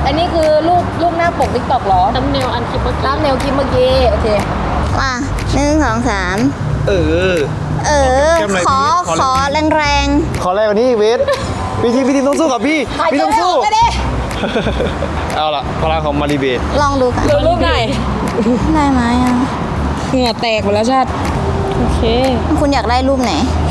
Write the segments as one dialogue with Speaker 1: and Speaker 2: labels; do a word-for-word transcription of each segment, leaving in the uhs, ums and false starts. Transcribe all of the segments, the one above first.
Speaker 1: อันนี้คือรูปรูปหน้าปกติ๊กต็อกเหรอตั้มเนลอันคลิปเมื่อกี้ตั้มเนลคลิปเมื่อกี้โอเค
Speaker 2: มาหนึ่งสองสาม
Speaker 3: เออ
Speaker 2: เออขอขอแรงแรง
Speaker 3: ขอแรงกว่านี้เวทพี่ทีพี่ทีต้องสู้กับพี่พี่ต้องสู้เอาล่ะพลังของมาริเบต
Speaker 2: ลองดูกัน
Speaker 1: ดูรูปไหน
Speaker 2: ได้ไหมอ่ะ
Speaker 1: เหงื่อแตกหมดแล้วชาติโอเค
Speaker 2: คุณอยากได้รูปไหน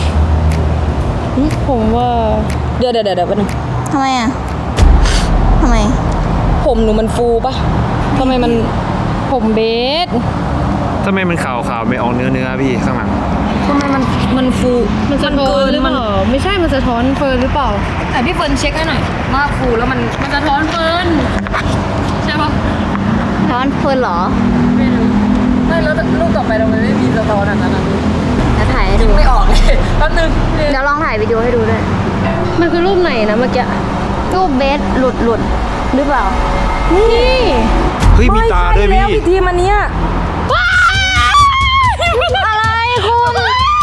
Speaker 1: ผมว่าเดี๋ยวเดี๋ยวเดี๋ยวแป๊บนึง
Speaker 2: ทำไมอ่ะทำไม
Speaker 1: ผมหนูมันฟูปะทำไมมันผมเบส
Speaker 3: ทำไมมันขาวขาวไม่ออกเนื้อเนื้อพี่ข้างหลัง
Speaker 1: ทำไมมันมันฟูมันสะท้อนหรือเปล่าไม่ใช่มันสะท้อนเฟิร์นหรือเปล่าแต่พี่เฟิร์นเช็คให้หน่อยมากฟูแล้วมันมันสะท้อนเฟิร์นใช่ปะ
Speaker 2: สะท้อนเฟิร์นเหรอ
Speaker 1: ไม่รู้ไม่แล้วรูปต่อไปเราไม่มีสะท้อนอันนั้น
Speaker 2: จะถ่ายให้ดู
Speaker 1: ไม่ออกเลยแป๊บนึง
Speaker 2: เดี๋ยวลองถ่ายวิดีโอให้ดูด้วย
Speaker 1: มันคือรูปไหนนะเมื่อกี้
Speaker 2: รูปเบสหลุดหลุดหรือเปล่า
Speaker 1: นี่
Speaker 3: เฮ้ยมีตาด้วยพี่
Speaker 1: พี่ทีมันเนี้ย
Speaker 2: อะไรคุณ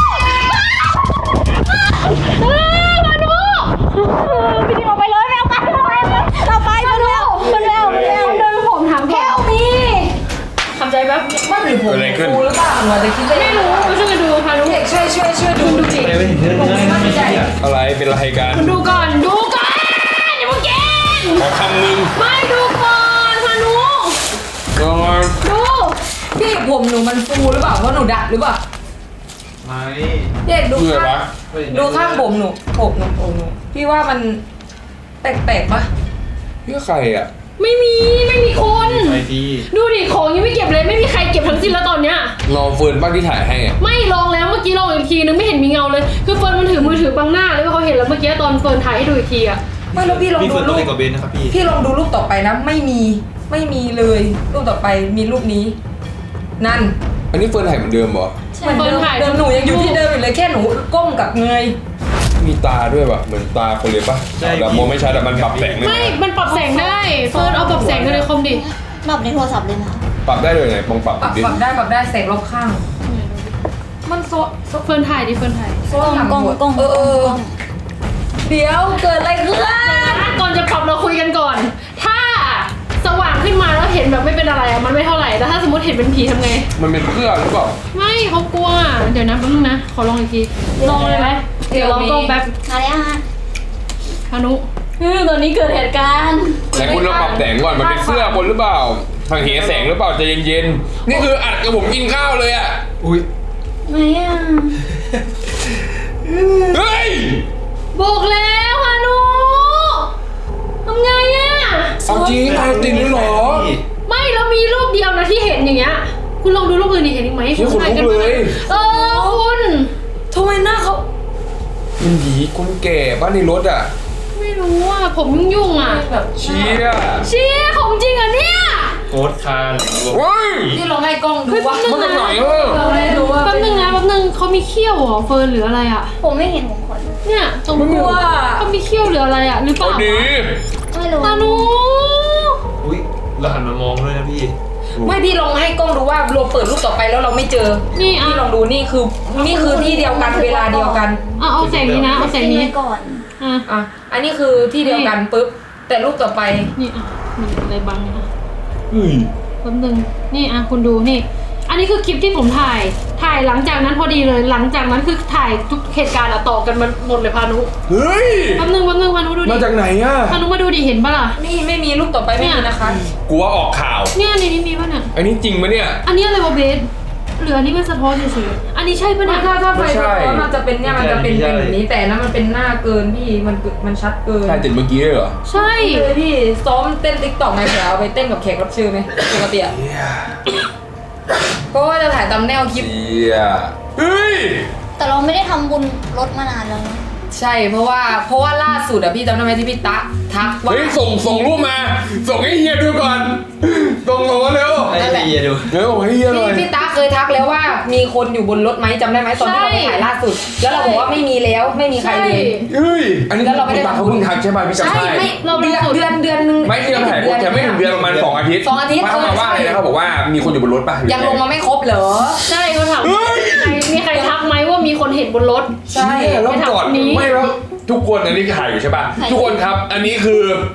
Speaker 1: มาดูพี่ทีออกไปเลยไม่เอาไปเราไปเราไปมาดูมันแล้วมันแล้วเดินผมถามแค่มีทำใจแป๊บว่าหรือผมฟูหรือเปล่าหนูจะคิดไม่รู้ช่วยกันดูค่ะลูกช่วยช่วยช่วยดูดูสิ
Speaker 3: อะไรเป็นอะไรกัน
Speaker 1: ดูก่อนดูก่อนอย่าเพิ่งกิน
Speaker 3: ขอคำนึง
Speaker 1: ไม่ดูก่อนพานุ
Speaker 3: ก่อน
Speaker 1: ดูพี่ผมหนูมันฟูหรือเปล่าเพราะหนูดัดหรือเปล่า
Speaker 3: ไม่
Speaker 1: เด็กดูข้างดูข้างผมหนูผมหนูผมหนูพี่ว่ามันแปลกๆปะ
Speaker 3: พี่ใครอ่ะ
Speaker 1: ไม่มีไม่มีคนดูดิของยังไม่เก็บเลยไม่มีใครเก็บทั้งสิ้นแล้วตอนเนี้ย
Speaker 3: รอเฟิร์นบ้างที่ถ่ายให้
Speaker 1: ไม่ลองแล้วเมื่อกี้ลองอีกทีนึงไม่เห็นมีเงาเลยคือเฟิร์นมันถือมือถือบังหน้าเลยว่าเขาเห็นแล้วเมื่อกี้ตอนเฟิร์นถ่ายให้ดูอีกทีอะไม่แล้วพี่ลองดูรูปกับเบนนะครับพี่พี่ลองดูรูปต่อไปนะไม่มีไม่มีเลยรูปต่อไปมีรูปนี้นั่น
Speaker 3: อันนี้เฟิร์นถ่ายเหมือนเดิมเหรอ
Speaker 1: เหมือนเดิมเดิมหนูยังอยู่ที่เดิมอยู่เลยแค่หนูก้มกับเงย
Speaker 3: มีตาด้วยป่ะเหมือนตาคนเลยป่ะแต่มองไม่ชัดแต่มันปรับแสงได้
Speaker 1: ไม่มันปรับแสงได้เฟิร์นเอาปรับแสงกันเลยคอมดิ
Speaker 2: ปรับในโทรศัพท์เลยนะ
Speaker 3: ปรับได้เลยไงมองปรับ
Speaker 1: ปรับได้ปรับได้แสงรอบข้างมันโซเฟิร์นถ่ายดิเฟิร์นถ่าย
Speaker 2: โซนกล้องกล้อง
Speaker 1: เออเดี๋ยวเกิดอะไรขึ้นก่อนจะปรับเราคุยกันก่อนถ้าสว่างขึ้นมาแล้วเห็นแบบไม่เป็นอะไรอะมันไม่เท่าไหร่แต่ถ้าสมมติเห็นเป็นผีทำไง
Speaker 3: มันเป็นเพื่อหรือเปล่า
Speaker 1: ไม่เขากลัวเดี๋ยวนะแป๊บนึงนะขอลองอีกทีลองเลยไหมเดี๋ยวลองกล้องแป๊บ
Speaker 2: มาแล้วฮะ
Speaker 1: พานุคือตอนนี้เกิดเหตุการณ์
Speaker 3: แต่คุณเราปรับแสงก่อนมันเป็นเสื้อบนหรือเปล่าทางเหแสงหรือเปล่าใจเย็นๆนี่คืออัดกับผมกินข้าวเลยอ่ะอุ้ย
Speaker 2: ไม่อ่ะ
Speaker 3: เฮ้ย
Speaker 1: บอกแล้วพานุทำไงอ่ะ
Speaker 3: เอาจริงเอาจริงหรอ
Speaker 1: ไม่แล้วมีรูปเดียวนะที่เห็นอย่างเงี้ยคุณลองดูรูปอื่นดิเห็นอีกไหม
Speaker 3: คุณถ่ายกันเลย
Speaker 1: เออคุณทำไมหน้าเขา
Speaker 3: มันหยีคนแก่บ้านในรถอ่ะ
Speaker 1: ไม่รู้อ่ะผมยุ่งๆอ่ะแบบ
Speaker 3: เชี่ย
Speaker 1: เชี่ยของจริงอ่ะเนี่ย
Speaker 3: โคตรคาน
Speaker 1: ที่เราให้กล้องดูว่า
Speaker 3: มันเป็นไหนเออ
Speaker 1: แป๊บนึงนะแป๊บนึงเขามีเขี้ยวเหรอเฟิร์นหรืออะไรอ่ะ
Speaker 2: ผมไม่เห็นผมขน
Speaker 1: เนี่ยตรงหัวเขามีเขี้ยวหรืออะไรอ่ะหรือเปล่า
Speaker 2: ไม่รู้
Speaker 1: พานุ
Speaker 3: อุ้ยเราหันมามองด้วยนะพี่
Speaker 1: ไม่พี่ลองให้กล้องดูว่าเราเปิดรูปต่อไปแล้วเราไม่เจอนี่พี่ลองดูนี่คือนี่คือที่เดียวกันเวลาเดียวกันอ่ะเอาแสงนี้นะเอาแสงนี้
Speaker 2: ก่อน
Speaker 1: อ่ะอ่ะอันนี้คือที่เดียวกันปุ๊บแต่รูปต่อไปนี่อ่ะมีอะไรบังเนี่ยอ่ะอืมแป๊บนึงนี่อ่ะคุณดูนี่อันนี้คือคลิปที่ผมถ่ายถ่ายหลังจากนั้นพอดีเลยหลังจากนั้นคือถ่ายทุกเหตุการณ์อะต่อกันมันหมดเลยพานุ
Speaker 3: เฮ้ย
Speaker 1: แป๊บนึงแป๊บนึงพานุดูดิ
Speaker 3: มาจากไหนอะ
Speaker 1: พานุมาดูดิเห็นปะล่ะนี่ไม่มีรูปต่อไปไม่มีนะคะ
Speaker 3: กลัวออกข่าว
Speaker 1: เนี่ยนี่นี่มีปะเนี่ย
Speaker 3: อันนี้จริงปะเนี่ย
Speaker 1: อันนี้อะไรวะเบสหรืออันนี้เป็นสะท้อนเฉยๆอันนี้ใช่ปะเนี่ยถ้าถ้าไฟสะท้อนมันจะเป็นเนี่ยมันจะเป็นเป็นแบบนี้แต่นั้นมันเป็นหน้าเกินพี่มันมันชัดเกิน
Speaker 3: ใช่ติดเมื่อกี้เลยเหรอ
Speaker 1: ใช่เลยพี่ซ้อมเต้นติ๊กต็อกไงเผื่อเอาไปเต้นกับแขกรับเชิญไหมปกติอะก็ว่าจะถ่ายตำแนวคลิป
Speaker 3: เฮ้ย
Speaker 2: แต่เราไม่ได้ทำบุญรถมานานแล้วนะ
Speaker 1: ใช่เพราะว่าเพราะว่าล่าสุดอะพี่จำได้ไหมที่พี่ตะทักว่า
Speaker 3: เฮ้ยส่งส่งรูปมาส่งให้เฮียดูก่อนส่งส่งมาเร็ว
Speaker 1: ให้เฮียดู
Speaker 3: เร็วให้เฮียหน่อย
Speaker 1: พี่ตะเคยทักแล้วว่ามีคนอยู่บนรถไหมจำได้ไหมตอนที่เราไปถ่ายล่าสุดแล้วเราบอกว่าไม่มีแล้วไม่มีใครเลย
Speaker 3: เฮ้ยอันนี้เราไม่ได้เขาเพิ่งทักใช่ไหมพี่จำได้
Speaker 1: ไม่เราเดือนเดือนเดือนนึง
Speaker 3: ไม่ที่เราถ่ายแต่ไม่ถึงเดือนประมาณสองอาทิตย์
Speaker 1: สองอาทิตย์
Speaker 3: เขาบอกว่าอะไรนะเขาบอกว่ามีคนอยู่บนรถป่ะ
Speaker 1: ยังลงมาไม่ครบเหรอใช่เขาถามมีใครทักไหมว่ามีคนเห็นบนรถ
Speaker 3: ใช่แล้วก่อนไม่แล้วทุกคนอันนี้ถ่ายอยู่ใช่ป่ะทุกคนครับอันนี้คือ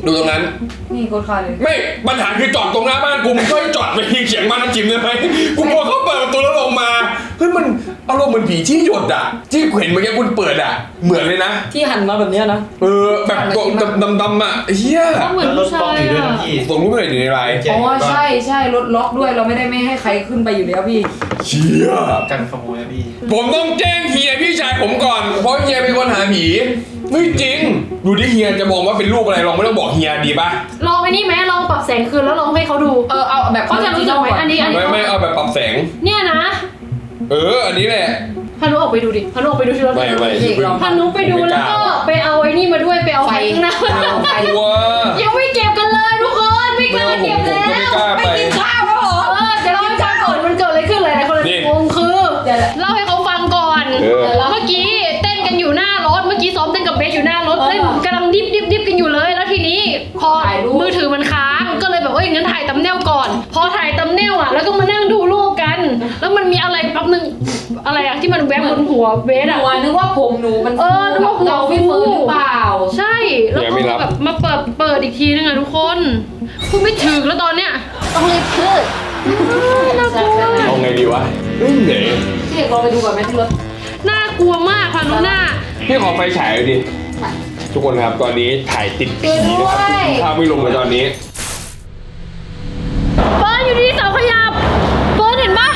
Speaker 3: ดูตรงนั้น
Speaker 1: นี่โคตรคาเลย
Speaker 3: ไม่ปัญหาคือจอดตรงหน้าบ้านกูมึงช่วยจอดไปยิงเฉียงบ้านน้ำจิ้มได้ไหมกูกลัวเขาเปิดประตูแล้วลงมาเฮ้ยมันอารมณ์เหมือนผีที่หยดอ่ะที่เห็นเมื่อกี้คุณเปิดอ่ะเหมือนเลยนะ
Speaker 1: ที่หันมาแบบเนี้ยนะ
Speaker 3: เออแบบดำดำๆอ่ะเฮีย
Speaker 1: เหมือนผู้ชายอะ
Speaker 3: ส่งรูปไปหน่อยดิในไลน์
Speaker 1: อ๋อใช่ใช่รถล็อกด้วยเราไม่ได้ไม่ให้ใครขึ้นไปอยู่แล้วพี่
Speaker 3: เชีย
Speaker 4: กันขโมยนะพี่
Speaker 3: ผมต้องแจ้งเฮียพี่ชายผมก่อนเพราะเฮียเป็นคนหาผีไม่จริงดูที่เฮียจะมองว่าเป็นรูปอะไรลองไม่ต้องบอกเฮียดีป่ะ
Speaker 5: ลองไอ้นี่ไหมลองปรับแสงคืนแล้วลองให้เขาดู
Speaker 1: เออเอาแบบ
Speaker 5: เขาจะรู้สึกไหมอันนี้อันนี้
Speaker 3: ไม่ไม่เอาแบบปรับแสง
Speaker 5: เนี่ยนะ
Speaker 3: เอออันนี้แหละ
Speaker 5: พานุออกไปดูดิพานุออกไปดูที่รถ
Speaker 3: ไม่ไม่
Speaker 5: พานุไปดูแล้วก็ไปเอาไอ้นี่มาด้วยไปเอาไฟข้างหน้า
Speaker 1: ไฟ
Speaker 3: กลัว
Speaker 5: ยังไม่เก็บกันเลยทุกคนไม่กล้าเก็บแล้ว
Speaker 3: ไม่กล้าไป
Speaker 1: กินข้าวแล้วเหรอ
Speaker 5: เออเดี๋ยวเราจะก่อนมันเกิดอะไรขึ้นเลยนะคนละงงคือเล่าให้เขาฟังก่อน
Speaker 3: เออ
Speaker 5: เมื่อกี้เต้นกันอยู่หน้ารถเมื่อกี้ซ้อมเต้นกับเบสอยู่หน้ารถเต้นกำลังดิบดิบดิบกันอยู่เลยแล้วทีนี้พอมือถือมันค้างก็เลยแบบเอ้ยงั้นถ่ายตัมเนลก่อน พอถ่ายตัมเนลอ่ะแล้วก็มานั่งดูรูปกัน แล้วมันมีอะไรแป๊บนึงอะไรอะที่มันแวบบนหัวเบส
Speaker 1: ห
Speaker 5: อะ
Speaker 1: นูนึกว่าผมหนูมัน
Speaker 5: เออนึกว่าหัว
Speaker 1: เราพี่เฟิร์นหรือเปล่า
Speaker 5: ใช่แล้ว
Speaker 3: ยังไม่รับ
Speaker 5: ก็แบบมาเปิดเปิดอีกทีนึงอะทุกคนพูดไม่ถึงแล้วตอนเนี้ย
Speaker 2: ต้องรีบขึ้น
Speaker 5: น่ากลัว
Speaker 3: เอาไงดีวะเฮ้ยเหนื่อย
Speaker 1: พี่เอกลองไปดูก่อนไหมที่รถ
Speaker 5: น่ากลัวมากพานุหน้า
Speaker 3: พี่ขอไฟฉายหน่อยดิทุกคนครับตอนนี้ถ่ายติดผีนะครับภาพไม่ลงเลยตอนนี้
Speaker 5: เฟิร์นอยู่ที่เสาขยับเฟิร์นเห็นปะ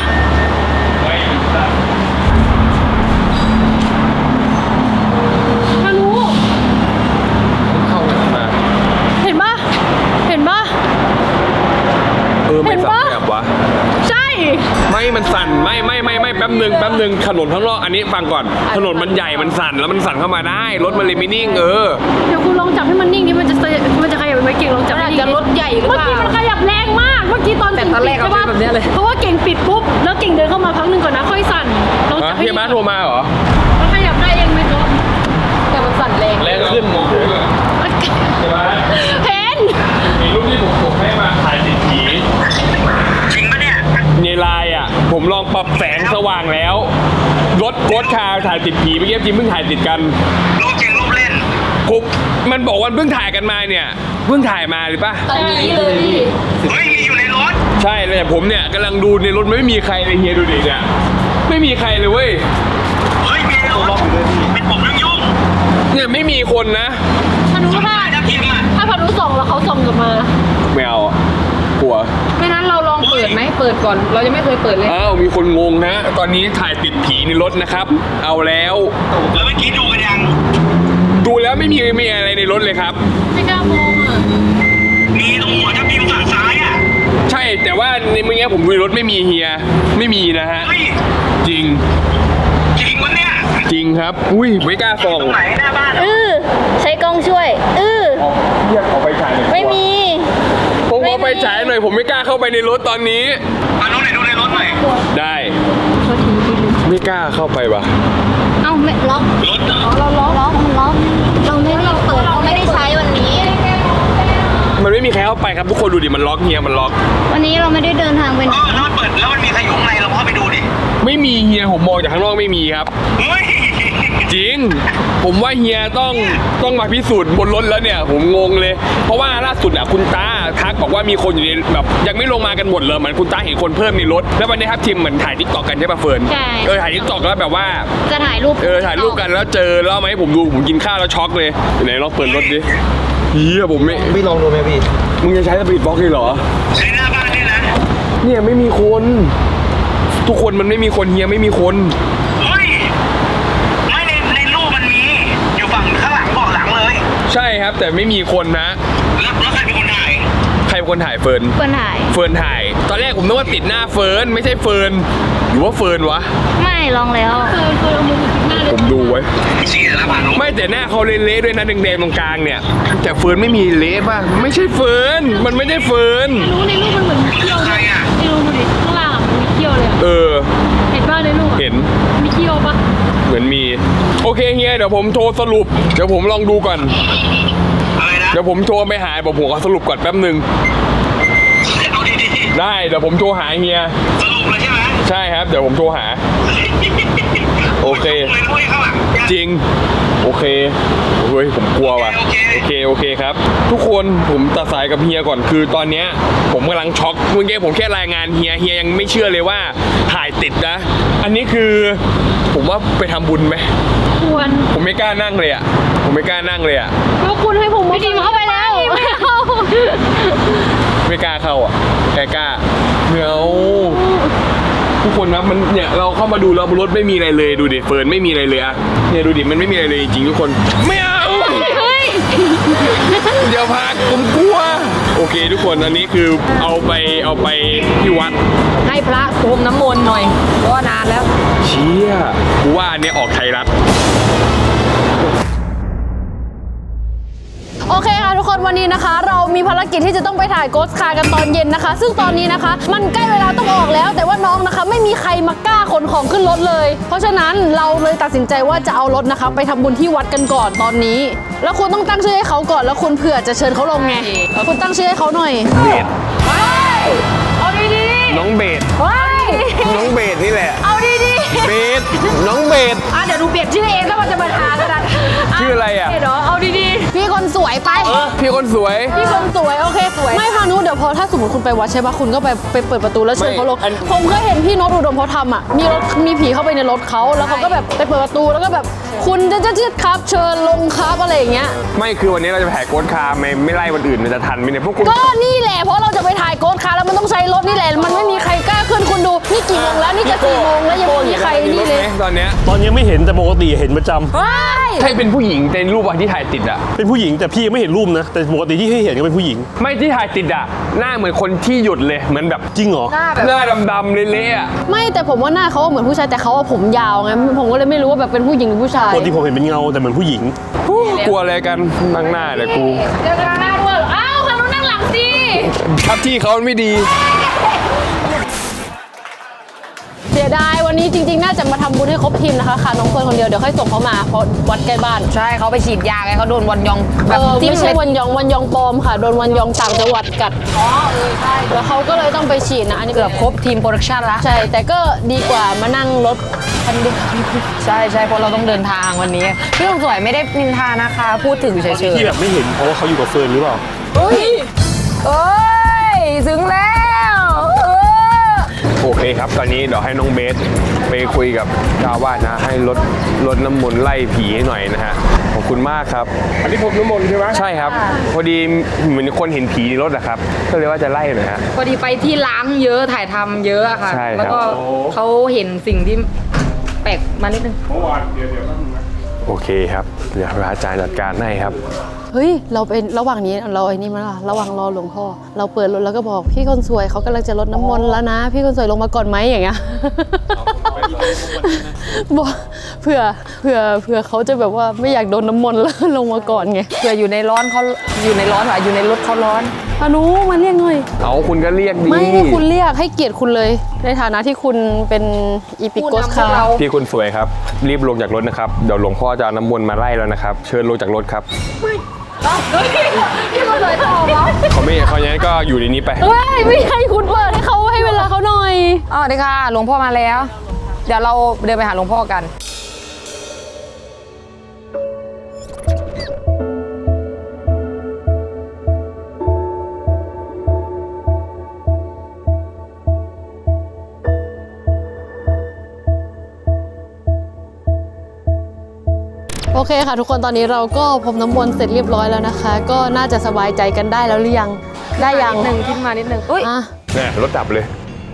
Speaker 5: พานุ
Speaker 3: เข้ามา
Speaker 5: เห็นปะเห็นปะ
Speaker 3: เออไม่
Speaker 5: เห็น
Speaker 3: สับ
Speaker 5: ปะ
Speaker 3: แบบวะ
Speaker 5: ใช่
Speaker 3: ไม่มันสั่นไม่ไม่ไม่ไม่แป๊บหนึ่งแป๊บหนึ่งถนนข้างนอกอันนี้ฟังก่อนถนนมันใหญ่มันสั่นแล้วมันสั่นเข้ามาได้รถมันเลยไม่นิ่งเออ
Speaker 5: เดี๋ยวคุณลองจับให้มันนิ่งดิมันจะมันจะขยับไปไหมเก่งลองจับ
Speaker 1: มัน
Speaker 5: ให้
Speaker 1: อาจ
Speaker 5: นิ่ง
Speaker 1: จะ
Speaker 5: ดิ
Speaker 1: รถใหญ่หรือ
Speaker 5: เมื่อ
Speaker 1: เปล่า
Speaker 5: กี้มันขยับแรงมากเมื่อกี้ตอน
Speaker 1: แต่ตอนแรก
Speaker 5: เก่ง
Speaker 1: เอาเป็นแบบเนี้ยเลย
Speaker 5: เพราะว่าเก่งปิดปุ๊บแล้วเก่งเดินเข้ามาพักหนึ่งก่อนนะค่อยสั่นลองจั
Speaker 3: ฮะ
Speaker 5: บให้
Speaker 3: พี่
Speaker 5: นิ่ง
Speaker 3: มาโทรมาเหรอ
Speaker 5: มันขยับได้เองไหมจ๊ะ
Speaker 1: แต่มันสั่นแรง
Speaker 3: แรงขึ้นมองใช่ไหม
Speaker 5: เห็น
Speaker 3: มีรูปที่ผมส่งให้มาถ่ายติดผีจริงปะเนี่ยในไลน์อ่ะผมลองปรับแสงสว่างแล้วรถรถคาถ่ายติดผีเมื่อกี้จริงเพิ่งถ่ายติดกันรูปจริงรูปเล่นผมมันบอกว่าเพิ่งถ่ายกันมาเนี่ยเพิ่งถ่ายมาหรือปะ
Speaker 1: ตอนนี้เลยพี่
Speaker 6: เฮ้ยมีอยู่ในรถ
Speaker 3: ใช่เลยผมเนี่ยกำลังดูในรถไม่มีใครเลยเฮียดูดิเนี่ยไม่มีใครเลยเว้ย
Speaker 6: เฮ้ยมีในรถเป็นผมยุ่งยุ่ง
Speaker 3: เนี่ยไม่มีคนนะ
Speaker 5: พานุถ้า
Speaker 6: ๆถ้าพิมพ์อ่ะ
Speaker 5: ถ้าพานุส่องแล้วเขาส่องกลับมา
Speaker 3: ไม่เอาอะกลัว
Speaker 1: ไม่นั้นเราลองเปิดไหมเปิดก่อน เรายังไม่เคยเปิดเลย
Speaker 3: อ้าวมีคนงงนะตอนนี้ถ่ายติดผีในรถนะครับ เอาแล้ว
Speaker 6: แล้วเมื่อกี้ดูกันยัง
Speaker 3: ดูแล้วไม่มีไม่มีอะไรในรถเลยครับ
Speaker 5: ไม่กล้ามองอ่ะ
Speaker 6: มีตรงหัวถ้าพิมพ์ฝั่งซ้ายอ่ะ
Speaker 3: ใช่แต่ว่าในเมื่อกี้ผมดูในรถไม่มีเฮียไม่มีนะฮะ
Speaker 6: เฮ้ย
Speaker 3: จริง
Speaker 6: จริงวะเนี่ย
Speaker 3: จริงครับอุ้ยไม่กล้าส่อง
Speaker 6: ตรงไหนหน้าบ้าน
Speaker 2: เออใช้กล้องช่วยเออ
Speaker 3: เรียกเอาไปฉายหน่อย
Speaker 2: ไม่มี
Speaker 3: ผมเอาไปฉายหน่อยผมไม่กล้าเข้าไปในรถตอนนี้
Speaker 6: มาดูหน่อยดูในรถหน่อย
Speaker 3: ได้ไม่กล้าเข้าไปวะ
Speaker 2: เอ้าไม่ล็อก
Speaker 6: รถเหรอ
Speaker 2: เราล็อกล็อกมันล็อกเราไม่ได้เปิดเราไม่ได้ใช้วันนี้
Speaker 3: มันไม่มีใครเข้าไปครับทุกคนดูดิมันล็อกเฮียมันล็อก
Speaker 2: วันนี้เราไม่ได้เดินทางไปไหน
Speaker 6: เออแล้วมันเปิดแล้วมันมีใครอยู่ข้างในเราเข้าไปดูดิ
Speaker 3: ไม่มีเฮียผมมองจากข้างนอกไม่มีครับ
Speaker 6: เฮ้ย
Speaker 3: จริง ผมว่าเฮียต้องต้องมาพิสูจน์บนรถแล้วเนี่ย ผมงงเลย เพราะว่าล่าสุดอ่ะคุณตาทักบอกว่ามีคนอยู่ในแบบยังไม่ลงมากันหมดเลยเหมือนคุณตาเห็นคนเพิ่มในรถแล้ววันนี้ครับทีมเหมือนถ่ายทิกตอกกันใช่ป่ะเฟิร์น
Speaker 2: ใช่
Speaker 3: เออถ่ายทิกตอกแล้วแบบว่า
Speaker 2: จะถ่ายรูป
Speaker 3: เออถ่ายรูปกันแล้วเจอแล้วเอามาให้ผมดูผมกินข้าวแล้วช็อกเลยไหนลองเปิดรถดิเฮียผมไม่
Speaker 4: พี่ลองดูไหมพี่
Speaker 3: มึงจะใช้สปีดบล็อกเลยเหรอ
Speaker 6: ใช้หน้าบ้านเนี่ยนะ
Speaker 3: เนี่ยไม่มีคน ทุกคนมันไม่มีคนเฮียไม่มีคน
Speaker 6: เฮ้ยไม่ในในรูปมันมีอยู่ฝั่งข้างหลังเบาะหลังเลย
Speaker 3: ใช่ครับแต่ไม่มีคนนะ
Speaker 6: แล้วแล้วใครเป็นคนถ่าย
Speaker 3: ใครเป็นคนถ่ายเฟิร์น
Speaker 2: เปิดถ่าย
Speaker 3: เฟิร์นถ่าย ตอนแรกผมนึกว่าติดหน้าเฟิร์นไม่ใช่เฟิร์นหรือว่าเฟิร์นวะ
Speaker 2: ไม่ลองแล้ว
Speaker 5: เคยเคยเอามือมาจิกหน้าเลย
Speaker 3: ผมดูไว้
Speaker 6: เสียแล้วผ่าน
Speaker 3: ไม่แต่หน้าเขาเละๆด้วยนะแดงๆตรงกลางเนี่ย แต่เฟิร์นไม่มีเละป่ะไม่ใช่เฟิร์นมันไม่ได้เฟิร์น
Speaker 5: รู้ในรูปมันเหมือนมีเขี้ยว
Speaker 6: ใคร
Speaker 5: ด้วย
Speaker 6: อ่ะ
Speaker 5: ในรูปดูดิข้างล่างอ่ะมันมีเขี้ยวเลยอะ
Speaker 3: เออ
Speaker 5: เห็นป่ะในรูปอะ
Speaker 3: เห็น
Speaker 5: มีเขี้ยวปะ
Speaker 3: เหมือนมีโอเคเฮียเดี๋ยวผมโทรสรุปเดี๋ยวผมลองดูก่อน
Speaker 6: อะไรนะ
Speaker 3: เดี๋ยวผมโทรไปหาบอกผมขอสรุปก่อนแป๊บหนึ่ง
Speaker 6: เอาดี
Speaker 3: ได้เดี๋ยวผมโทรหาเฮีย
Speaker 6: ๆสรุปเลยใช่ไหม
Speaker 3: ใช่ครับเดี๋ยวผมโทรหา โอเค
Speaker 6: เลยด้วยข้างหลัง
Speaker 3: จริง ผโอเคเฮ้ยผมกลัวว่ะโอเคโอเคครับทุกคนผมตัดสายกับเฮียก่อนคือตอนเนี้ยผมกำลังช็อกเมื่อกี้ผมแค่รายงานเฮียเฮียยังไม่เชื่อเลยว่าถ่ายติดนะอันนี้คือผมว่าไปทำบุญไหม
Speaker 5: ควร
Speaker 3: ผมไม่กล้านั่งเลยอ่ะผมไม่กล้านั่งเลยอ่ะ
Speaker 5: แล้วคุณให้ผมพี่ทีมเข้าไปแล้วไม่เอา
Speaker 3: ไม่กล้าเข้าอ่ะแกกล้าเดี๋ยวทุกคนนะมันเนี่ยเราเข้ามาดูแล้วรถไม่มีอะไรเลยดูดิเฟิร์นไม่มีอะไรเลยอะเนี่ยดูดิมันไม่มีอะไรเลยจริงๆทุกคนไม่เอา
Speaker 5: เฮ้ย
Speaker 3: เดี๋ยวพาผมกลัวโอเคทุกคนอันนี้คือเอาไปเอาไปที่วัด
Speaker 1: ให้พระพรมน้ำมนต์หน่อยเพราะว่านานแล้ว
Speaker 3: เชี่ยกูว่าอันเนี้ยออกไทยรัฐ
Speaker 5: โอเคค่ะทุกคนวันนี้นะคะ เรามีภารกิจที่จะต้องไปถ่ายโกสคาร์กันตอนเย็นนะคะ ซึ่งตอนนี้นะคะ มันใกล้เวลาต้องออกแล้ว แต่ว่าน้องนะคะไม่มีใครมากล้าขนของขึ้นรถเลย เพราะฉะนั้นเราเลยตัดสินใจว่าจะเอารถนะคะ ไปทำบุญที่วัดกันก่อนตอนนี้ แล้วคุณต้องตั้งชื่อให้เขาก่อนแล้วคุณเผื่อจะเชิญเขาลงไงคุณตั้งชื่อให้เขาหน่อย
Speaker 3: เบส
Speaker 5: เอาดี
Speaker 3: น้องเบส
Speaker 5: ๆเฮ้ย
Speaker 3: น้องเบสนี่แหละ
Speaker 5: เอาดี
Speaker 3: เบสน้องเบส
Speaker 1: อ่ะเดี๋ยวดูเปลี่ยนชื่อเองถ้ามันจะมาทานกัน
Speaker 3: ชื่ออะไรอ่ะ
Speaker 5: เดี๋ยวเอาดีๆพี่คนสวยไป
Speaker 3: พี่คนสวย
Speaker 5: พี่คนสวยโอเคสวยไม่พานุเดี๋ยวพอถ้าสมมติคุณไปวัดใช่ปะคุณก็ไปไปเปิดประตูแล้วเชิญเขาลง
Speaker 3: ไม่อัน
Speaker 5: ผมเคยเห็นพี่โนตอุดมเขาทำอ่ะมีรถมีผีเข้าไปในรถเขาแล้วเขาก็แบบไปเปิดประตูแล้วก็แบบคุณจะจะจะครับเชิญลงครับอะไรอย่างเงี้ย
Speaker 3: ไม่คือวันนี้เราจะไปถ่ายโกสคาร์ไม่ไม่ไล่วันอื่นมันจะทันไหมเนี่ยพวกคุณ
Speaker 5: ก็นี่แหละเพราะเราจะไปถ่ายโกสคาร์แล้วมันต้องใช้รถนี่แหละมันไม่มีใครกล้าขึ้นคุณดูนี่กี่โมงแล้วนี่จะสี่โมงแล้วยังไม่มีใครนี่เลย
Speaker 3: ตอนเนี้ย
Speaker 7: ตอนนี้ไม่เห็นแต่ปกติเห็นประจำ
Speaker 5: ว้าย
Speaker 3: ใช่เป็นผู้หญิงในรูปวันที่ถ่ายติดอ่ะ
Speaker 7: เป็นผู้หญิงแต่พี่ยังไม่เห็นรูปนะ แต่ปกติที่ให้เห็นก็เป็นผู้หญิง
Speaker 3: ไม่ที่ถ่ายติดอ่ะหน้าเหมือนคนที่หยุดเลยเหมือนแบบ
Speaker 7: จริงเหรอ
Speaker 3: หน้าดำๆเละๆอ่ะ
Speaker 5: ไม่แต่ผมว่าหน้าเขาเหมือนผู้ชายแต่เขาว่าผมยาวไงผมก็เลยไม่รู้ว่าแบบเป็นผู้หญิงหรือผู้ชาย
Speaker 7: ปกติผมเห็นเป็นเงาแต่เหมือนผู้หญิง
Speaker 3: กลัวอะไรกันนั่งหน้าเลยกู
Speaker 5: เดี๋ยวหน้าด้วยอ้าวพานุนั่งหลังสิ
Speaker 3: ทับที่เขาไม่ดี
Speaker 5: เสียดายวันนี้จริงๆ น่าจะมาทำบุญให้ครบทีมนะคะค่ะน้องเฟิร์นคนเดียวเดี๋ยวค่อยส่งเขามาเพราะวัดใกล้บ้าน
Speaker 1: ใช่เขาไปฉีดยาไงเขาโดนวันยอง
Speaker 5: เอ
Speaker 1: แบบ
Speaker 5: อ
Speaker 1: จิ้ม
Speaker 5: ไม่ใช่
Speaker 1: เม็ด
Speaker 5: วันยองวันยองปลอมค่ะโดนวันยองต่างจังหวัดกัดอ๋อเออใช่แล้วเขาก็เลยต้องไปฉีดนะอันนี้
Speaker 1: เกือบครบทีมโปรดักชั่นละ
Speaker 5: ใช่แต่ก็ดีกว่ามานั่งรถคันเดียว
Speaker 1: ใช่ใช่เพราะเราต้องเดินทางวันนี้พี่คนสวยไม่ได้นินทานะคะ พูดถึงเฉย
Speaker 7: ที่แบบไม่เห็นเพราะว่าเขาอยู่กับเฟิร์นหรือเปล่า
Speaker 1: ๆเฮ้ยเอ้ยถึงแล้วเออ
Speaker 3: โอเคครับ ตอนนี้เดี๋ยวให้น้องเบสไปคุยกับเจ้าอาวาสนะ ให้รถรถน้ำมนต์ไล่ผีให้หน่อยนะฮะ ขอบคุณมากครับ อันนี้ผมน้ำมนต์ใช่ไหมใช่ครับ พอดีเหมือนคนเห็นผีในรถอะครับ ก็เลยว่าจะไล่หน่อยฮะ
Speaker 1: พอดีไปที่ล้างเยอะถ่ายทำเยอะอะค่ะ
Speaker 3: ใช่ครับ
Speaker 1: แล้วก็เขาเห็นสิ่งที่แปลกมานิดนึง
Speaker 3: โอเคครับ เดี๋ยวพระอาจารย์จัดการให้ครับ
Speaker 5: เฮ้ยเราเป็นระหว่างนี้เราไอ้นี่มาล่ะระหว่างรอหลวงพ่อเราเปิดรถแล้วก็บอกพี่คนสวยเขากำลังจะรดน้ำมนต์แล้วนะ พี่คนสวยลงมาก่อนไหมอย่างเงี้ยบอกเผื่อเผื่อเผื่อเขาจะแบบว่าไม่อยากโดนน้ำมนต์แล้วลงมาก่อนไง
Speaker 1: เผื่ออยู่ในร้อนเขาอยู่ในร้อนว่ะอยู่ในรถเขาร้อน
Speaker 5: พานุมาเรียกหน่อย
Speaker 3: เอาคุณก็เรียกดี
Speaker 5: ไม่ให้คุณเรียกให้เกียรติคุณเลย ในฐานะที่คุณเป็นอีพิโกสคาร์
Speaker 3: พี่คนสวยครับ รีบลงจากรถนะครับ เดี๋ยวหลวงพ่อจะเอาน้ำมนต์มาไล่แล้วนะครับ เชิญลงจากรถครับ
Speaker 5: พี่คนสวยตอบเหรอ
Speaker 3: เขาไม่เขาอย่างนั้นก็อยู่ในนี้ไป
Speaker 5: เฮ้ยไม่ให้คุณเปิดให้เขาให้เวลาเขาหน่อย
Speaker 1: อ๋อเดี๋ยวค่ะหลวงพ่อมาแล้ว เดี๋ยวเราเดินไปหาหลวงพ่อกัน
Speaker 5: โอเคค่ะทุกคนตอนนี้เราก็พรมน้ำมนต์เสร็จเรียบร้อยแล้วนะคะ ก็น่าจะสบายใจกันได้แล้วหรือยังได้ยัง
Speaker 1: นิดนึงขึ้นมานิดนึงอุ้ย
Speaker 5: อ่ะ
Speaker 3: เนี่ยรถดับเลย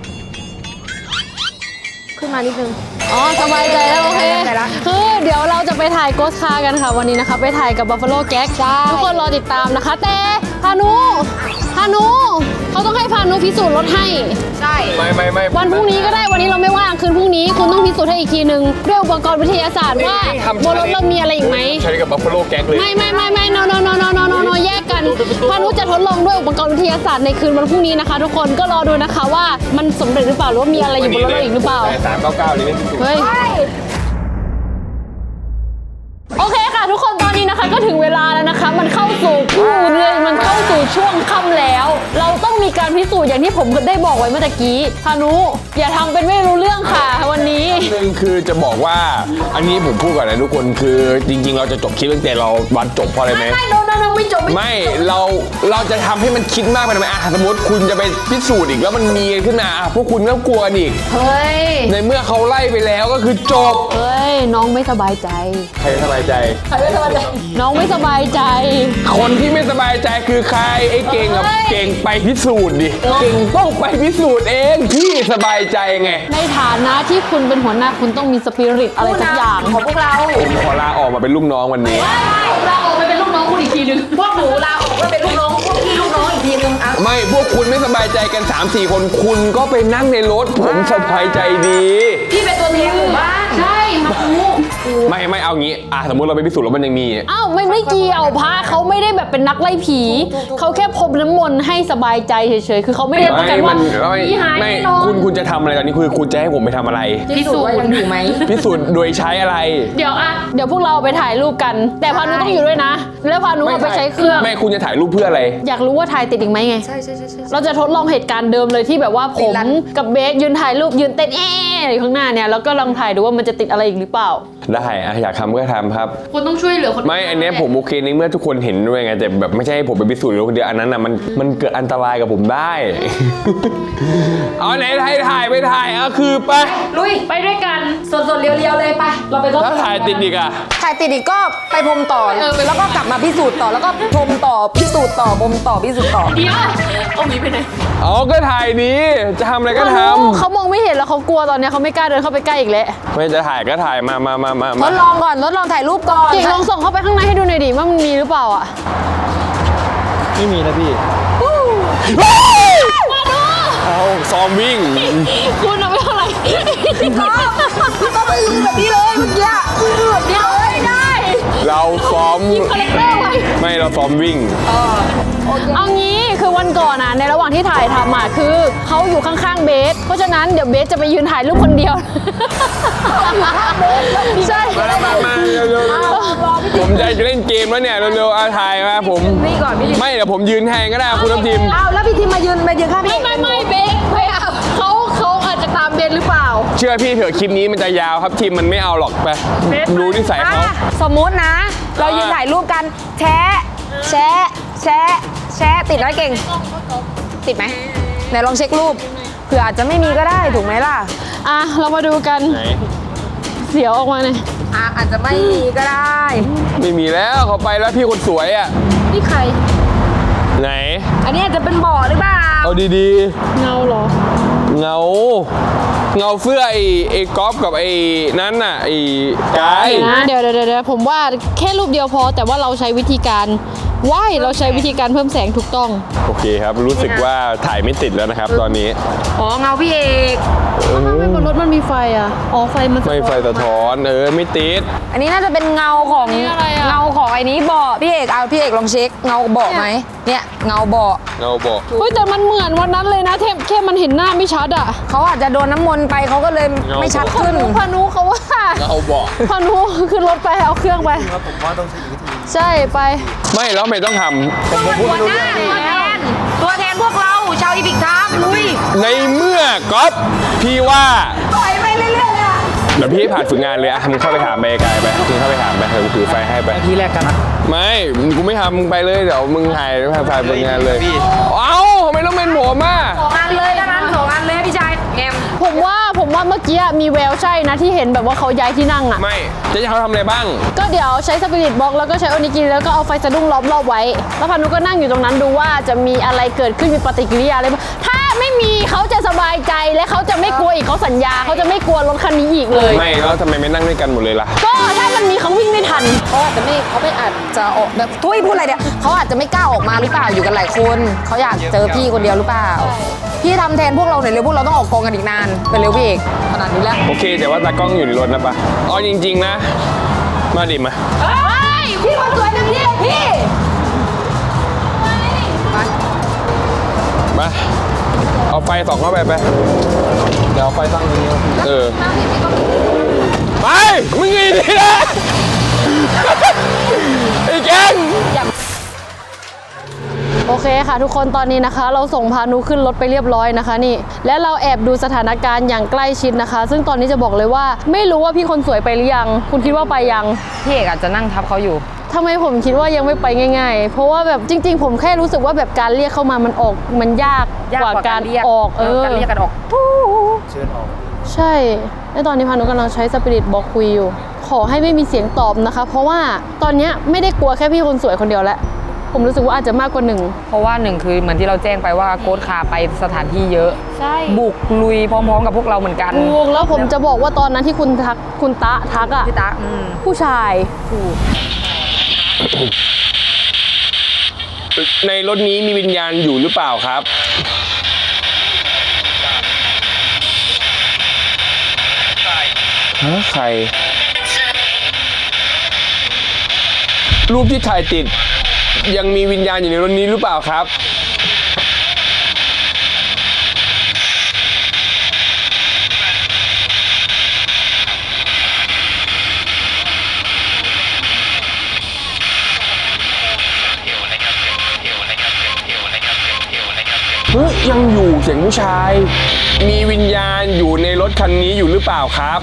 Speaker 1: ขึ้นมานิดนึง
Speaker 5: อ๋อสบายใจแล้วโอเค
Speaker 1: สบายใจละ
Speaker 5: คือเดี๋ยวเราจะไปถ่ายโกสคาร์กันค่ะวันนี้นะคะไปถ่ายกับ Buffalo Gag ทุกคนรอติดตามนะคะ แต่พานุพานุเขาต้องให้พานุพิสูจน์รถให้
Speaker 1: ใช่
Speaker 3: ไม่ไม่ไม่
Speaker 5: วันพรุ่งนี้ก็ได้วันนี้เราไม่ว่างคืนพรุ่งนี้คุณต้องพิสูจน์ให้อีกทีนึงด้วยอุปกรณ์วิทยาศาสตร์ว่าบนรถเรามีอะไรอีกไหม
Speaker 3: ใช้กับบัฟฟาโลแก๊กเลย
Speaker 5: ไม่ไม่ไม่ไม่ no no no no no no no แยกกันพานุจะทดลองด้วยอุปกรณ์วิทยาศาสตร์ในคืนวันพรุ่งนี้นะคะ ทุกคนก็รอดูนะคะว่ามันสำเร็จหรือเปล่าหรือว่ามีอะไรอยู่บนรถเราอีกหรือเปล่า
Speaker 3: สามเก้าเก้าเลยนี่
Speaker 5: เฮ้ยโอเคค่ะทุกคนตอนนี้นะคะก็ถึงเวลาแล้วนะคะ มันเข้าสู่คู่เลยมันเข้าสู่ช่วงค่ำแล้ว เราต้องมีการพิสูจน์อย่างที่ผมได้บอกไว้เมื่อตะกี้พานุอย่าทำเป็นไม่รู้เรื่องค่ะวันนี้
Speaker 3: หนึ่งคือจะบอกว่าอันนี้ผมพูดก่อนนะทุกคนคือจริงๆ เราจะจบคลิปตั้งแต่เราวันจบเพราะอะไรไหม
Speaker 5: ไม่โดนโดนไม่จบ
Speaker 3: ไม่เราเราจะทำให้มันคิดมากไปทำไมอ่ะสมมติคุณจะไปพิสูจน์อีกแล้วมันมีขึ้นมาอ่ะพวกคุณก็กลัวกันอีก
Speaker 5: เฮ้ย
Speaker 3: ในเมื่อเขาไล่ไปแล้วก็คือจบ
Speaker 5: เฮ้ยน้องไม่สบายใจ
Speaker 3: ใครสบายใจ
Speaker 5: น้องไม่สบายใจ
Speaker 3: คนที่ไม่สบายใจคือใครไอ้เก่งกับ
Speaker 5: เฮ้ย
Speaker 3: เก่งไปพิสูจน์ดิเก่งต้องไปพิสูจน์เองที่สบายใจไง
Speaker 5: ในฐานะที่คุณเป็นหัวหน้าคุณต้องมีสปิริตอะไรสักอย่างของพวกเรา
Speaker 3: ผมขอลาออกมาเป็นลูกน้องวันนี้
Speaker 5: เราออกไปเป็นลูกน้องคุณอีกทีนึง
Speaker 1: พวกหนูลาออกมาเป็นลูกน้องพวกพี่ลูกน้องอีกทีนึงอ่ะ
Speaker 3: ไม่พวกคุณไม่สบายใจกัน สามสี่ คนคุณก็ไปนั่งในรถผมสบายใจดี
Speaker 1: พี่เป็นตัวแทนหมู่บ้าน
Speaker 5: ใช่มาดู
Speaker 3: ไม่ไม่เอางี้อ่ะสมมติเราไปพิสูจน์แล้วมันยังมี
Speaker 5: อ้าวไม่ไม่เกี่ยวพระเขาไม่ได้แบบเป็นนักไล่ผีเขาแค่พรมน้ำมนต์ให้สบายใจเฉยๆคือเขาไม่ได้ต้องการว่า
Speaker 3: ไม่
Speaker 5: ผีหาย
Speaker 3: ไม่
Speaker 5: แน่นอน
Speaker 3: คุณคุณจะทำอะไรตอนนี้คือคุณจะให้ผมไปทำอะไร
Speaker 1: พิสูจน์ว่ายังอยู่ไหม
Speaker 3: พิสูจน์โดยใช้อะไร
Speaker 5: เดี๋ยวอะเดี๋ยวพวกเราไปถ่ายรูปกัน แต่พานุต้องอยู่ด้วยนะ แล้วพานุเอาไปใช้เครื่อง
Speaker 3: ไม่คุณจะถ่ายรูปเพื่ออะไร
Speaker 5: อยากรู้ว่าถ่ายติดอีกไหมไง
Speaker 1: ใช่ใช่ใช่ใช่
Speaker 5: เราจะทดลองเหตุการณ์เดิมเลยที่แบบว่าผ
Speaker 1: ติด
Speaker 5: ม
Speaker 1: รัน
Speaker 5: กับเบสยืนถ่ายรูปยืนเต้นแอะอยู่ข้างหน้าเนี่ยแล้วก็ลองถ่ายดูว่ามันจะติดอะไรอีกหรือเปล่า
Speaker 3: ได้อะอยากทำก็ทำครับ
Speaker 5: คุณต้องช่วยเหลือคน
Speaker 3: ไม่อันเนี้ยผมโอเคในเมื่อทุกคนเห็นด้วยไงแต่แบบไม่ใช่ให้ผมไปพิสูจน์คนเดียวอันนั้นอ่ะมันมันเกิดอันตรายกับผมได้ เอาไหนถ่ายถ่ายไปถ่ายเอาคือไป
Speaker 1: ลุย
Speaker 5: ไปด้วยกัน
Speaker 1: สดๆเรียวๆเลยไปเราไปรถ
Speaker 3: ถ้าถ่ายติดอีกอ่ะ
Speaker 1: ถ่ายติดอีกก็ไปพรมต่อ
Speaker 5: เออไป
Speaker 1: แล้วก็กลับมาพิสูจน์ต่อแล้วก็พรมต่อพิสูจน์ต่อพรมต่อพิสูจน์ต่อ
Speaker 5: เดี๋ยวเอาหมีไปไหน
Speaker 3: เอาก็ถ่ายดีจะทำอะไรก็ท
Speaker 5: เขามองไม่เห็นแล้วเขากลัวตอนเนี้ยเขาไม่กล้าเดินเข้าไปใกล้อีกแล้ว
Speaker 3: ำไม่จะถ่ายก็ถ่ายมามามามา
Speaker 1: ท
Speaker 3: มา
Speaker 1: ดลองก่อนทดลองถ่ายรูปก่อน
Speaker 5: เก่งลองส่งเข้าไปข้างในให้ดูหน่อยดิว่ามันมีหรือเปล่าอ่ะ
Speaker 4: ไม่มีนะพี่
Speaker 3: เอาซ้อมวิ่ง
Speaker 5: คุณเอาไปเท่าไหร่
Speaker 1: พี่ก็พี่ก็ไปยืนแบบนี้เลยเมื่อกี้ยืนแบบนี้เลย
Speaker 5: ได้
Speaker 3: เราซ้อม
Speaker 5: ยิงคาแรคเตอร์ไว้
Speaker 3: ไม่เราซ้อมวิ่ง
Speaker 5: เอางี้คือวันก่อนอ่ะในระหว่างที่ถ่ายทำอ่ะคือเขาอยู่ข้างๆเบส เพราะฉะนั้นเดี๋ยวเบสจะไปยืนถ่ายรูปคนเดียว ใช่
Speaker 3: มามามาเร็วๆผมจะเล่นเกมแล้วเนี่ยเร็วๆเอาถ่ายมาผม
Speaker 1: นี่ก่อนพี่
Speaker 3: ไม่เดี๋ยวผมยืนแทนก็ได้คุณน้ำทิม
Speaker 1: เอาแล้วพี่ทีมมายืนมายืนข้าง
Speaker 5: ไม่
Speaker 1: พี่
Speaker 5: ไม่ไม่เบสไม่เอาเขาเขาอาจจะตามเบสหรือเปล่า
Speaker 3: เชื่อพี่เถอะคลิปนี้มันจะยาวครับทีมมันไม่เอาหรอกไปรู้นิสัยเขา
Speaker 1: อ่ะสมมุตินะ เรายืนถ่ายรูปกันแชะแชะแชะแชะติดไหมเก่ง ติดไหมไหนลองเช็ครูปเผื่ออาจจะไม่มีก็ได้ถูกไหมล่ะ
Speaker 5: อ่ะเรามาดูกัน
Speaker 3: ไหน
Speaker 5: เสียวออกมาเลย
Speaker 1: อ่ะอาจจะไม่มีก็ได้
Speaker 3: ไม่มีแล้วเขาไปแล้วพี่คนสวยอ่ะ
Speaker 5: นี่ใคร
Speaker 3: ไหน
Speaker 1: อันนี้อาจจะเป็นบ่อหรือเปล่า
Speaker 3: เอาดี
Speaker 5: เงาเหรอ
Speaker 3: ๆ เงา เงาเสื้อไอ้ไอ้ก๊อฟกับไอ้นั้นน่ะไอ้กาย
Speaker 5: นะเดี๋ยวเดี๋ยวเดี๋ยวผมว่าแค่รูปเดียวพอแต่ว่าเราใช้วิธีการว่ายเราใช้วิธีการเพิ่มแสงถูกต้อง
Speaker 3: โอเคครับรู้สึกว่าถ่ายไม่ติดแล้วนะครับ ตอนนี้
Speaker 1: อ๋อเงาพี่เอก
Speaker 5: ทำไมบนรถมันมีไฟอ่ะ อ๋อไฟมัน
Speaker 3: ไม่ไฟสะท้อนเออไม่ติด
Speaker 1: อันนี้น่าจะเป็นเงาของ
Speaker 5: นี่อะไรอะ
Speaker 1: เงาของไอ้นี้บ่อพี่เอกเอาพี่เอกลองเช็คเงาบ่อไหมเนี่ยเงาบ่อ
Speaker 3: เงาบอก
Speaker 5: เฮ้ยแต่มันเหมือนวันนั้นเลยนะแค่แค่มันเห็นหน้าไม่ชัดอ่ะ
Speaker 1: เขาอาจจะโดนน้ำมนต์ไปเขาก็เลยไม่ชัดขึ้น
Speaker 5: พานุเขาว่า
Speaker 3: เงาบอก
Speaker 5: พานุขึ้นรถไปเอาเครื่องไป
Speaker 4: ผมว่าต้องใช้อีกวิธี
Speaker 5: ใช่ไป
Speaker 3: ไม่แล้วไม่ต้องทำผมผมพูด
Speaker 1: ตัว
Speaker 3: ไม่รู้
Speaker 1: ห
Speaker 3: เรื่
Speaker 1: น้า
Speaker 3: อง
Speaker 1: ตัวแทนตัวแทนพวกเราชาวอีพิกทามลุย
Speaker 3: ในเมื่อก๊อฟพี่ว่า
Speaker 1: ปล่อยไปเรื่อยๆอ่ะ
Speaker 3: เดี๋ยวพี่ให้ผ่านฝึกงานเลยอะมึงเข้าไปถามไปไกลไปมึงเข้าไปถามไปเถอะกูถือไฟให้ไป
Speaker 4: ที่แรกกันนะ
Speaker 3: ไม่กูไม่ทำมึงไปเลยเดี๋ยวมึงถ่ายผ่านผ่านฝึกงานเลยเอ้าทำไมต้องเป็นผมอ่ะ
Speaker 1: สองอันเลยแล้วนั้นสองอันเลยพี่ชายแอม
Speaker 5: ผมว่าผมว่าเมื่อกี้มีแววใช่นะที่เห็นแบบว่าเขาย้ายที่นั่งอ่ะ
Speaker 3: ไม่จะให้เขาทำอะไรบ้าง
Speaker 5: ก็เดี๋ยวใช้สปิริตบล็อกแล้วก็ใช้โอนิกิแล้วก็เอาไฟสะดุ้งล้อมรอบไว้ แล้วพานุก็นั่งอยู่ตรงนั้นดูว่าจะมีอะไรเกิดขึ้นมีปฏิกิริยาอะไรบ้างถ้าไม่มีเขาจะสบายใจและเขาจะไม่กลัวอีกเขาสัญญาเขาจะไม่กลัวรถคันนี้อีกเลย
Speaker 3: ไม่แล้วทำไมไม่นั่งด้วยกันหมดเลยล่ะ
Speaker 5: ก็ถ้ามันมีเขาวิ่งไม่ทัน
Speaker 1: เขาอาจจะไม่เขาไม่อาจจะออกแบบทุยพูดอะไรเนี่ยเขาอาจจะไม่กล้าออกมาหรือเปล่าอยู่กันหลายคนเขาอยากเจอพี่คนเดียวหรือเปล่าพี่ทำแทนพวกเราหน่อยเร็วพวกเราต้องออกกองกันอีกนานไปเร็วพี่เอกขนาดนี้แล้ว
Speaker 3: โอเคแต่ว่าตากล้องอยู่ในรถนะปะเอาจริงๆนะ มาดิมา
Speaker 1: เฮ้ยพี่คนสวยจังพี่พี่
Speaker 3: มาเอาไฟส่องเข้าไปไป
Speaker 4: เดี๋ยวเอาไฟตั้งตรงนี้
Speaker 3: เออไปมึงไงดีนะ
Speaker 5: ค่ะทุกคนตอนนี้นะคะ เราส่งพานุขึ้นรถไปเรียบร้อยนะคะนี่และเราแอบดูสถานการณ์อย่างใกล้ชิดนะคะ ซึ่งตอนนี้จะบอกเลยว่าไม่รู้ว่าพี่คนสวยไปหรือยังคุณคิดว่าไปยัง
Speaker 1: พี่เอกอาจจะนั่งทับเขาอยู่
Speaker 5: ทำไมผมคิดว่ายังไม่ไปง่ายๆ เพราะว่าแบบจริงๆ ผมแค่รู้สึกว่าแบบการเรียกเข้ามามันออกมันยาก
Speaker 1: ยาก
Speaker 5: กว่าก
Speaker 1: ว่า
Speaker 5: การ
Speaker 1: การเรียก
Speaker 5: ออกเออ
Speaker 1: การเรียกกันออก
Speaker 4: เชิญออก
Speaker 5: ใช่และตอนนี้พานุกำลังใช้สปิริตบอกคุยอยู่ขอให้ไม่มีเสียงตอบนะคะ เพราะว่าตอนเนี้ยไม่ได้กลัวแค่พี่คนสวยคนเดียวแล้วผมรู้สึกว่าอาจจะมากกว่าหนึ่ง
Speaker 1: เพราะว่าหนึ่งคือเหมือนที่เราแจ้งไปว่าโค้ดคาไปสถานที่เยอะ
Speaker 5: ใช่
Speaker 1: บุกลุยพร้อมๆกับพวกเราเหมือนกัน
Speaker 5: ถูกแล้วผมจะบอกว่าตอนนั้นที่คุณทักคุณตะทักอะ
Speaker 1: พี่ตาอืม
Speaker 5: ผู้ชายถูก
Speaker 3: ในรถนี้มีวิญญาณอยู่หรือเปล่าครับฮะใคร รูปที่ถ่ายติดยังมีวิญญาณอยู่ในรถนี้หรือเปล่าครับเฮ้ยยังอยู่เสียงผู้ชาย มีวิญญาณอยู่ในรถคันนี้อยู่หรือเปล่าครับ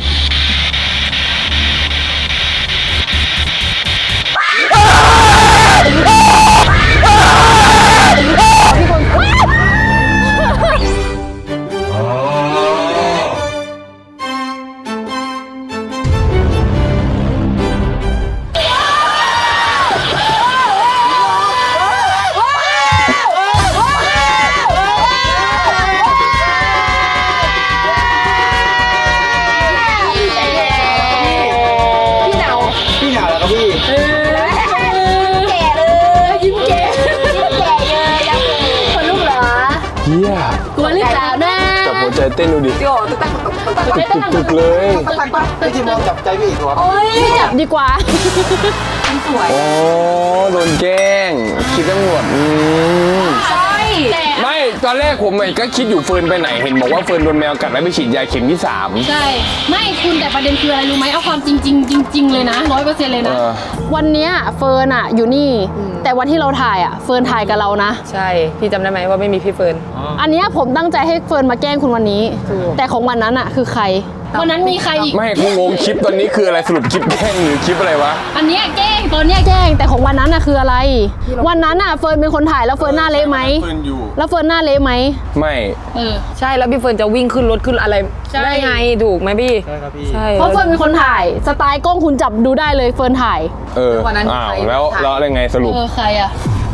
Speaker 4: พี่หนาวแล้วครับพี่
Speaker 2: แก่เลยยิ้มแก่ยิ้มแก่เยอะจังเลยคนลูกเหรอ
Speaker 3: เฮีย
Speaker 5: กลัวหรือเปล่านะ
Speaker 3: จับหัวใจเต้นดูดิตึกๆเลย
Speaker 4: พี่จิมมองจับใจพี่อีกเหรอ
Speaker 5: โอ๊ยจับดีกว่า
Speaker 3: โอ้โดนแกล้งคิดตำรวจอืม
Speaker 2: ใช่
Speaker 3: ไม่ตอนแรกผมก็คิดอยู่เฟิร์นไปไหนเห็นบอกว่าเฟิร์นโดนแมวกัดแล้วไปฉีดยาเข็มที่สาม
Speaker 5: ใช่ไม่คุณแต่ประเด็นคืออะไรรู้ไหมเอาความจริงจริงๆจริง ๆเลยนะร้อยเปอร์เซ็นต์เลยนะ
Speaker 3: เออ
Speaker 5: วันเนี้ยเฟิร์นอะอยู่นี่ แต่วันที่เราถ่ายอะเฟิร์นถ่ายกับเรานะ
Speaker 1: ใช่พี่จำได้ไหมว่าไม่มีพี่เฟิร์น
Speaker 5: อันเนี้ยผมตั้งใจให้เฟิร์นมาแกล้งคุณวันนี้ แต่ของวันนั้นอะคือใคร วันนั้นมีใครอีก
Speaker 3: ไม่กูงงคลิปตอนนี้คืออะไรสรุปคลิปแกล้งหรือคลิปอะไรวะ
Speaker 5: อันเนี้ยแกล้งตอนเนี้ยแกล้งแต่ของวันนั้นอะคืออะไร วันนั้นอะเฟิร์นเป็นคนถ่ายแล้วเฟิร์นหน้าเละไหม
Speaker 3: เฟิร์นอยู่
Speaker 5: แล้วเฟิร์นหน้าเละไหม
Speaker 3: ไม่
Speaker 5: เออ
Speaker 1: ใช่แล้วพี่เฟิร์นจะวิ่งขึ้นรถขึ้นอะไร
Speaker 5: ใช่
Speaker 1: ได้ไงถูกไหมพี่
Speaker 4: ใช่ครับพี่
Speaker 1: ใช่
Speaker 5: เพราะเฟิร์นเป็นคนถ่ายสไตล์กล้องคุณจับดูได้เลยเฟิร์นถ่าย
Speaker 3: เออ
Speaker 1: วันนั้น
Speaker 3: อ้าว
Speaker 1: ใคร
Speaker 3: แล้ว
Speaker 1: ถ่าย
Speaker 3: แล้วอะไรไงสรุป
Speaker 5: เออใครอะ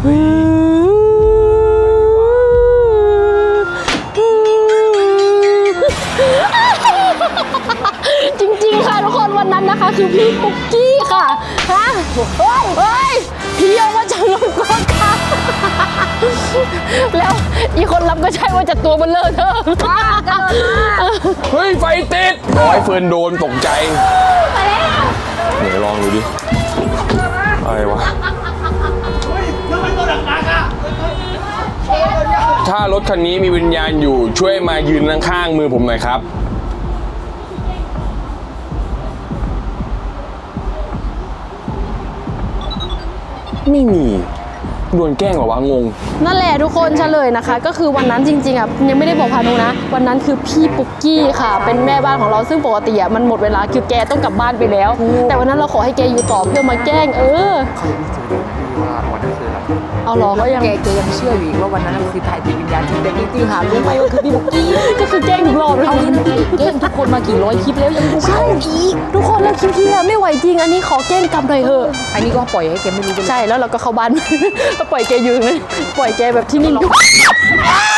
Speaker 5: จริงๆค่ะทุกคนวันนั้นนะคะ คือพี่ปุ๊กกี้ค่ะฮะเฮ้ยเฮ้ยพี่เอาว่าจะลงก้อนค่ะแล้วอีคนรับก็ใช่ว่าจะตัวเบลเลอร์เธอ
Speaker 3: เฮ้ยไฟติดโอ้ยเฟิร์นโดนตกใจเดี๋ยวลองดูดิอะไรวะถ้ารถคันนี้มีวิญญาณอยู่ช่วยมายืนข้างๆมือผมหน่อยครับไม่มีโดนแกล้งเหรอวะงง
Speaker 5: นั่นแหละทุกคนเฉลยนะคะ ก็คือวันนั้นจริงๆอ่ะยังไม่ได้บอกพานุนะ วันนั้นคือพี่ปุ๊กกี้ค่ะ เป็นแม่บ้านของเราซึ่งปกติอ่ะมันหมดเวลาคือแกต้องกลับบ้านไปแล้ว แต่วันนั้นเราขอให้แกอยู่ต่อเพื่อมาแกล้งเออ
Speaker 4: เขายังไม่เจอเลยพี่ว่าวันนั้นคืออะไร
Speaker 5: เอาเหรอก็ยัง
Speaker 1: แกแกยังเชื่ออยู่อีกว่าวันนั้นน่ะคือถ่ายติดวิญญาณจริงแต่จริงๆหารู้ไหมว่าคือพี่บุกกี้
Speaker 5: ก็คือแกล้งทุกรอบเลย
Speaker 1: เอางี้นะพี่แกล้งทุกคนมากี่ร้อยคลิปแล้วยังดูเข้าอีก
Speaker 5: ทุกคนแล้วคลิปที่แล้วไม่ไหวจริงอันนี้ขอแกล้งกลับหน่อยเถอะ
Speaker 1: อันนี้ก็ปล่อยให้แกไม่รู้ไปเลย
Speaker 5: ใช่แล้วเราก็เข้าบ้าน ก็ปล่อยแกอยู่นะปล่อยแกแบบที่นี่